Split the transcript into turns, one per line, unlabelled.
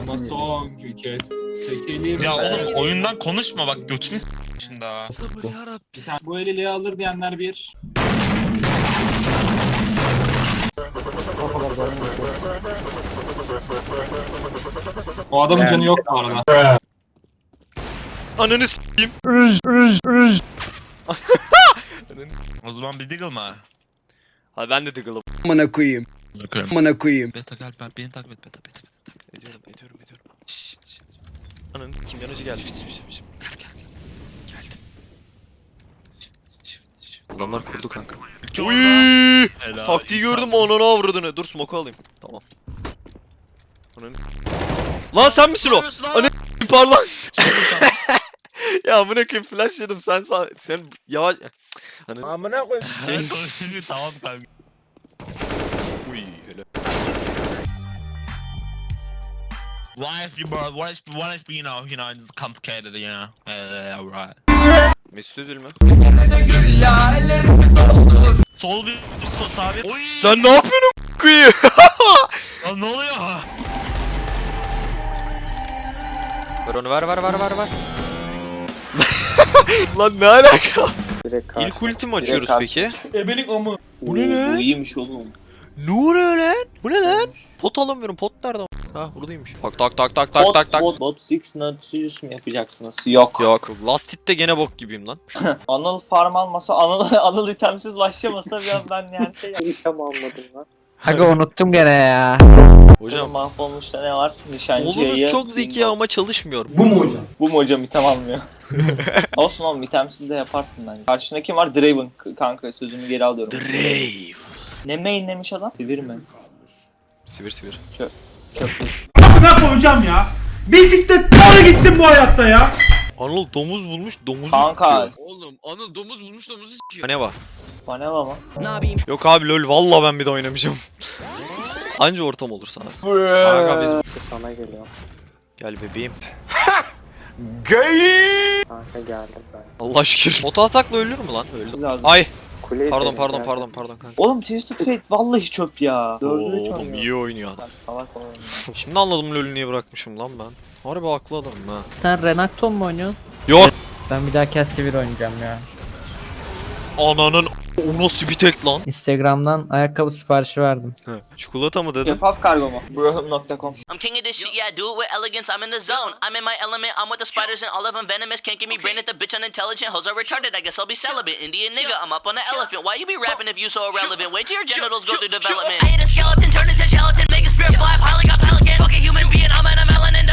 Ama son kez çekelim.
Ya oğlum oyundan konuşma bak götünü şimdi ha.
Sabır yarabbim.
Bir tane bu eliliği alır diyenler bir. O adamın canı yok bu arada.
Ananı s**eyim.
O zaman bir diggle mı?
Hadi ben de tıkılım.
Amına koyayım.
Bakıyorum.
Amına koyayım.
Beta gel ben beni takip et beta.
Ediyorum. Şşt. Ananı kim yanıcı geldi. Geldim. Adamlar kurdu kanka. Uy!
Helal.
Taktiği gördüm mü ananı avradını. Dur smoke alayım. Tamam. Ananı... Lan sen misin o? Ananı pardon. Ya bırakın flash yedim sen yavaş.
Amına koyayım.
Tamam kanka.
Uy hele.
One HP bro, one HP you know, it's complicated, you know. Right.
Mesut Özil mü?
Sol bir, sağ bir. Oy!
Sen ne yapıyorsun kuyu?
Lan ne oluyor?
Ver onu ver. Lan ne alaka? İlk ulti mi açıyoruz peki?
Ebelik amı.
Bu ne lan?
Bu iyiymiş oğlum.
Ne oluyor lan? Bu ne lan? Pot alamıyorum. Pot nerede? Ha buradaymış. Tak.
Bot 6 Nautilus mu yapacaksınız? Yok.
Yok. Last hit'te gene bok gibiyim lan.
Anıl farm almasa, Anıl itemsiz başlamasa biraz ben yani şey item almadım lan.
Aga unuttum gene ya.
Hocam
Mahvolmuşta ne var?
oğlunuz
Nişancıya.
çok zeki ama çalışmıyor.
Bu mu hocam?
Bu mu hocam item almıyor? Olsun oğlum itemsiz de yaparsın bence. Karşında kim var? Draven kanka sözümü geri alıyorum.
Drave.
Ne mainlemiş adam? Sivir mi?
Sivir.
Amına koyacağım ya. Bisiklet doğru gitsin bu hayatta ya.
Anıl domuz bulmuş domuzu
Kanka.
tutuyor.
Oğlum Anıl domuz bulmuş domuzu s**iyor.
Ne var?
Panela mı?
Yok abi lol valla ben bir de oynamayacağım. Anca ortam olur sana. Kanka biz
Sana geliyor.
gel bebeğim.
Kanka geldim ben.
Allah şükür. Oto atakla ölür mü lan? Öldü.
Lazım.
Ay
Kuleyi
pardon
dedim, geldim.
kanka.
Oğlum Twisted Fate vallahi çöp ya. 4'ü 3
Oğlum
oynuyor.
iyi oynuyor adam.
Salak oğlum ya.
Şimdi anladım lol'ü niye bırakmışım lan ben. Harbi haklı adamım ha.
Sen Renekton mu oynuyorsun?
Yok.
Ben bir daha Castlevania oynayacağım ya.
Ananın o nasıl bir tek lan?
Instagram'dan ayakkabı siparişi verdim.
Çikolata mı dedin?
Şeffaf kargo mu? Bro.com.
I'm king of this shit, yeah, I do it with elegance. I'm in the zone. I'm in my element. I'm with the spiders and all of them venomous. Can't give me brain at the bitch unintelligent. Hoes are retarded. I guess I'll be celibate. Indian nigga, I'm up on the elephant. Why you be rapping if you so irrelevant? Wait till your genitals go through development. I hit a